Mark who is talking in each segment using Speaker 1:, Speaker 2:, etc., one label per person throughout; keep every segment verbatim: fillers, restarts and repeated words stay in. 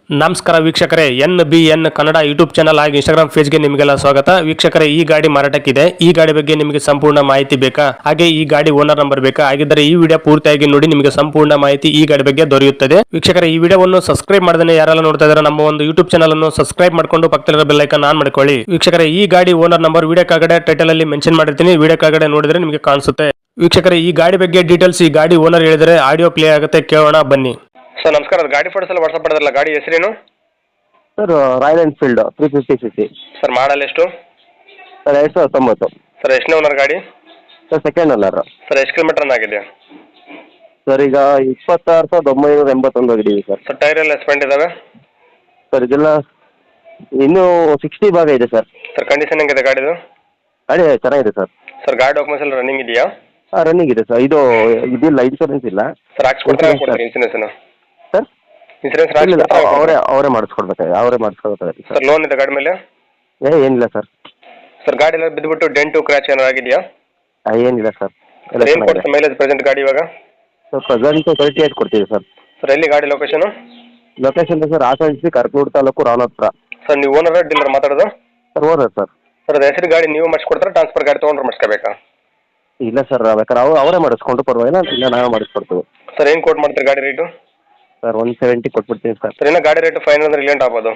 Speaker 1: ನಮಸ್ಕಾರ ವೀಕ್ಷಕರೇ, N B N Kannada YouTube channel ಹಾಗೂ ಇನ್ಸ್ಟಾಗ್ರಾಮ್ ಪೇಜ್ಗೆ ನಿಮಗೆಲ್ಲ ಸ್ವಾಗತ. ವೀಕ್ಷಕರೇ, ಈ ಗಾಡಿ ಮಾರಾಟಕ್ಕಿದೆ. ಈ ಗಾಡಿ ಬಗ್ಗೆ ನಿಮಗೆ ಸಂಪೂರ್ಣ ಮಾಹಿತಿ ಬೇಕಾ? ಹಾಗೆ ಈ ಗಾಡಿ ಓನರ್ ನಂಬರ್ ಬೇಕಾ? ಹಾಗಿದ್ದರೆ ಈ ವಿಡಿಯೋ ಪೂರ್ತಿಯಾಗಿ ನೋಡಿ, ನಿಮಗೆ ಸಂಪೂರ್ಣ ಮಾಹಿತಿ ಈ ಗಾಡಿ ಬಗ್ಗೆ ದೊರೆಯುತ್ತದೆ. ವೀಕ್ಷಕರೇ, ಈ ವಿಡಿಯೋವನ್ನು ಸಬ್ಸ್ಕ್ರೈಬ್ ಮಾಡದೇ ಯಾರೆಲ್ಲ ನೋಡ್ತಾ ಇದ್ದಾರೆ ನಮ್ಮ ಒಂದು ಯೂಟ್ಯೂಬ್ ಚಾನಲ್ ಅನ್ನು ಸಬ್ಸ್ಕ್ರೈಬ್ ಮಾಡ್ಕೊಂಡು ಪಕ್ಕದಲ್ಲಿರೋ ಬೆಲ್ ಐಕಾನ್ ಆನ್ ಮಾಡ್ಕೊಳ್ಳಿ. ವೀಕ್ಷಕರೇ, ಈ ಗಾಡಿ ಓನರ್ ನಂಬರ್ ವಿಡಿಯೋ ಕೆಳಗಡೆ ಟೈಟಲ್ ಅಲ್ಲಿ ಮೆನ್ಷನ್ ಮಾಡಿರ್ತೀನಿ, ವಿಡಿಯೋ ಕೆಳಗಡೆ ನೋಡಿದ್ರೆ ನಿಮಗೆ ಕಾಣಿಸುತ್ತೆ. ವೀಕ್ಷಕರೇ, ಈ ಗಾಡಿ ಬಗ್ಗೆ ಡೀಟೇಲ್ಸ್ ಈ ಗಾಡಿ ಓನರ್ ಹೇಳಿದರೆ ಆಡಿಯೋ ಪ್ಲೇ ಆಗುತ್ತೆ, ಕೇಳೋಣ ಬನ್ನಿ. ಸರ್ ನಮಸ್ಕಾರ, ಗಾಡಿ ಫೋಟೋಸ್ ಎಲ್ಲ ವಾಟ್ಸ್ಆಪ್ ಮಾಡಿದ್ರಲ್ಲ, ಗಾಡಿ ಹೆಸರೇನು?
Speaker 2: Sir Royal Enfield three fifty C C.
Speaker 1: Sir model ಎಷ್ಟು?
Speaker 2: ಸರ್ ಎರಡು ಸಾವಿರದ ತೊಂಬತ್ತು.
Speaker 1: ಸರ್ ಎಷ್ಟನೇ ಓನರ್ ಗಾಡಿ?
Speaker 2: Sir second owner.
Speaker 1: ಸರ್ ಎಷ್ಟು ಕಿಲೋಮೀಟರ್ ರನ್ ಆಗಿದೆ?
Speaker 2: ಸರ್ ಈಗ ಇಪ್ಪತ್ತಾರು ಸಾವಿರದ ಒಂಬೈನೂರ ಎಂಬತ್ತೊಂದು ಆಗಿದ್ದೀವಿ ಸರ್.
Speaker 1: ಸರ್ ಟೈರ್ ಎಲ್ಲ ಎಸ್ಪೆಂಟ್ ಇದಾವೆ?
Speaker 2: ಸರ್ ಇದೆಲ್ಲ ಇನ್ನೂ ಸಿಕ್ಸ್ಟಿ ಭಾಗ ಇದೆ ಸರ್.
Speaker 1: ಸರ್ ಕಂಡೀಷನ್ ಹೆಂಗಿದೆ ಗಾಡಿದು?
Speaker 2: ಗಾಡಿ ಚೆನ್ನಾಗಿದೆ ಸರ್.
Speaker 1: ಸರ್ ಗಾಡಿ ಡಾಕ್ಯುಮೆಂಟ್ಸ್ ಎಲ್ಲ ರನ್ನಿಂಗ್ ಇದೆಯಾ?
Speaker 2: ಹಾಂ ರನ್ನಿಂಗ್ ಇದೆ ಸರ್. ಇದು ಇದಿಲ್ಲ, ಇನ್ಶೂರೆನ್ಸ್ ಇಲ್ಲ
Speaker 1: ಸರ್. ಹಾಕ್ಸ್ಕೊಡ್ತಾರೆ ಕೊಡ್ತಾರೆ ಇನ್ಸೂರೆನ್ಸ್?
Speaker 2: ಸರ್
Speaker 1: ಇನ್ಸೂರೆನ್ಸ್
Speaker 2: ಇಲ್ಲ, ಅವರೇ ಅವರೇ ಮಾಡಿಸ್ಕೊಡ್ಬೇಕಾಗಿ ಅವರೇ ಮಾಡಿಸ್ಕೊಡ್ಬೇಕಾಗಿ
Speaker 1: ಸರ್. ಲೋನ್ ಇದೆ ಗಾಡಿ ಮೇಲೆ?
Speaker 2: ಏ ಏನಿಲ್ಲ ಸರ್.
Speaker 1: ಸರ್ ಗಾಡಿ ಎಲ್ಲ ಬಿದ್ದುಬಿಟ್ಟು ಡೆಂಟು ಕ್ರ್ಯಾಚ್ ಏನಾರು ಆಗಿದೆಯಾ?
Speaker 2: ಏನಿಲ್ಲ ಸರ್.
Speaker 1: ಏನು ಕೊಡುತ್ತೆ ಮೈಲೇಜ್ ಪ್ರೆಸೆಂಟ್ ಗಾಡಿ ಇವಾಗ?
Speaker 2: ಸರ್ ಪ್ರೆಸೆಂಟು ತರ್ಟಿ ಏಟ್ ಕೊಡ್ತೀವಿ ಸರ್.
Speaker 1: ಸರ್ ಎಲ್ಲಿ ಗಾಡಿ location?
Speaker 2: Location sir Hassan Karkur taluk Ravanapura.
Speaker 1: Sir ನೀವು ಓನರ್ ಡೀಲರ್ ಮಾತಾಡೋದು?
Speaker 2: Sir owner sir.
Speaker 1: ಸರ್ ಅದು ಹೆಸರು ಗಾಡಿ ನೀವು ಮಾಡಿಸ್ಕೊಡ್ತಾರೆ, ಟ್ರಾನ್ಸ್ಫರ್ ಗಾಡಿ ತೊಗೊಂಡ್ರೆ ಮಾಡಿಸ್ಕೋಬೇಕಾ?
Speaker 2: ಇಲ್ಲ ಸರ್, ಬೇಕಾದ್ರೆ ಅವ್ರು ಅವರೇ ಮಾಡಿಸ್ಕೊಂಡು ಪರವಾಗಿಲ್ಲ, ಇಲ್ಲ ನಾವೇ ಮಾಡಿಸ್ಕೊಡ್ತೀವಿ.
Speaker 1: ಸರ್ ಏನು ಕೋಟ್ ಮಾಡ್ತೀರಿ ಗಾಡಿ ರೇಟು?
Speaker 2: ಸರ್ ಒನ್ ಸೆವೆಂಟಿ ಕೊಟ್ಬಿಡ್ತೀನಿ ಸರ್.
Speaker 1: ಸರ್ ಇನ್ನೂ ಗಾಡಿ ರೇಟು ಫೈನಲ್ ಅಂದ್ರೆ ರಿಲೆಂಟ್ ಆಗ್ಬೋದು?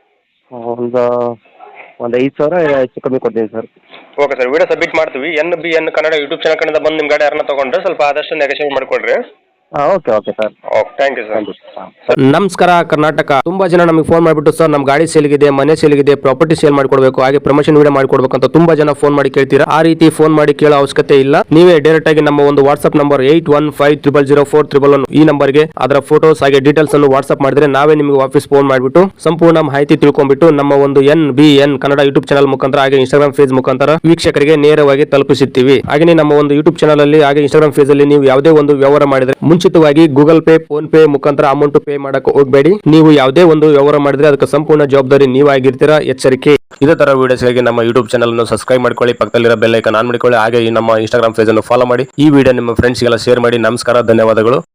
Speaker 2: ಒಂದು ಒಂದು ಐದು ಸಾವಿರ ಹೆಚ್ಚು ಕಮ್ಮಿ ಕೊಡ್ತೀನಿ sir.
Speaker 1: Okay sir, video submit ಮಾಡ್ತೀವಿ. N B N Kannada YouTube channel ಕಡೆಯಿಂದ ಬಂದು ನಿಮ್ಮ ಗಾಡಿ ಯಾರನ್ನ ತೊಗೊಂಡ್ರೆ ಸ್ವಲ್ಪ ಆದಷ್ಟು ನೆಗೋಷಿಯೇಟ್ ಮಾಡಿಕೊಡ್ರಿ.
Speaker 2: ಹಾಂ okay okay sir.
Speaker 1: Okay, thank you sir. ನಮಸ್ಕಾರ ಕರ್ನಾಟಕ. ತುಂಬಾ ಜನ ನಮಗೆ ಫೋನ್ ಮಾಡಿಬಿಟ್ಟು ಸರ್ ನಮ್ಮ ಗಾಡಿ ಸೇಲ್ಗಿದೆ, ಮನೆ ಸೇಲ್ಗಿದೆ, ಪ್ರಾಪರ್ಟಿ ಸೇಲ್ ಮಾಡ್ಕೊಡ್ಬೇಕು, ಹಾಗೆ ಪ್ರಮೋಷನ್ ವಿಡಿಯೋ ಮಾಡ್ಕೊಡ್ಬೇಕು ಅಂತ ತುಂಬಾ ಜನ ಫೋನ್ ಮಾಡಿ ಕೇಳ್ತೀರಾ. ಆ ರೀತಿ ಫೋನ್ ಮಾಡಿ ಕೇಳೋ ಅವಶ್ಯಕತೆ ಇಲ್ಲ. ನೀವೇ ಡೈರೆಕ್ಟ್ ಆಗಿ ನಮ್ಮ ಒಂದು WhatsApp number eight one five triple zero four triple one ಈ ನಂಬರ್ಗೆ ಅದರ ಫೋಟೋಸ್ ಹಾಗೆ ಡೀಟೇಲ್ಸ್ ಅನ್ನು ವಾಟ್ಸ್ಆಪ್ ಮಾಡಿದ್ರೆ ನಾವೇ ನಿಮಗೆ ವಾಪಸ್ ಫೋನ್ ಮಾಡಿಬಿಟ್ಟು ಸಂಪೂರ್ಣ ಮಾಹಿತಿ ತಿಳ್ಕೊಂಡ್ಬಿಟ್ಟು ನಮ್ಮ ಒಂದು N B N Kannada YouTube channel ಮುಖಾಂತರ ಹಾಗೆ ಇನ್ಸ್ಟಾಗ್ರಾಮ್ ಪೇಜ್ ಮುಖಾಂತರ ವೀಕ್ಷಕರಿಗೆ ನೇರವಾಗಿ ತಲುಪಿಸುತ್ತೀವಿ. ಹಾಗೆ ನಮ್ಮ ಒಂದು ಯೂಟ್ಯೂಬ್ ಚಾನಲ್ ಅಲ್ಲಿ ಹಾಗೆ ಇನ್ಸ್ಟಾಗ್ರಾಮ್ ಪೇಜ್ ಅಲ್ಲಿ ನೀವು ಯಾವುದೇ ಒಂದು ವ್ಯವಹಾರ ಮಾಡಿದ್ರೆ ಮುಂಚಿತವಾಗಿ ಗೂಗಲ್ ಪೇ, ಫೋನ್ ಪೇ ಮುಖಾಂತರ ಅಮೌಂಟ್ ಪೇ ಮಾಡಕ್ಕೆ ಹೋಗಬೇಡಿ. ನೀವು ಯಾವುದೇ ಒಂದು ವ್ಯವಹಾರ ಮಾಡಿದ್ರೆ ಅದಕ್ಕೆ ಸಂಪೂರ್ಣ ಜವಾಬ್ದಾರಿ ನೀವಾಗಿರ್ತೀರಾ, ಎಚ್ಚರಿಕೆ. ಇದೇ ತರ ವಿಡಿಯೋಸ್ಗಾಗಿ ನಮ್ಮ ಯೂಟ್ಯೂಬ್ ಚಾನಲ್ ಅನ್ನು ಸಬ್ಸ್ಕ್ರೈಬ್ ಮಾಡ್ಕೊಳ್ಳಿ, ಪಕ್ಕದಲ್ಲಿರೋ ಬೆಲ್ ಐಕಾನ್ ಆನ್ ಮಾಡ್ಕೊಳ್ಳಿ, ಹಾಗೆ ಈ ನಮ್ಮ ಇನ್ಸ್ಟಾಗ್ರಾಮ್ ಪೇಜ್ ಅನ್ನು ಫಾಲೋ ಮಾಡಿ. ಈ ವಿಡಿಯೋ ನಿಮ್ಮ ಫ್ರೆಂಡ್ಸ್ಗೆಲ್ಲ ಶೇರ್ ಮಾಡಿ. ನಮಸ್ಕಾರ, ಧನ್ಯವಾದಗಳು.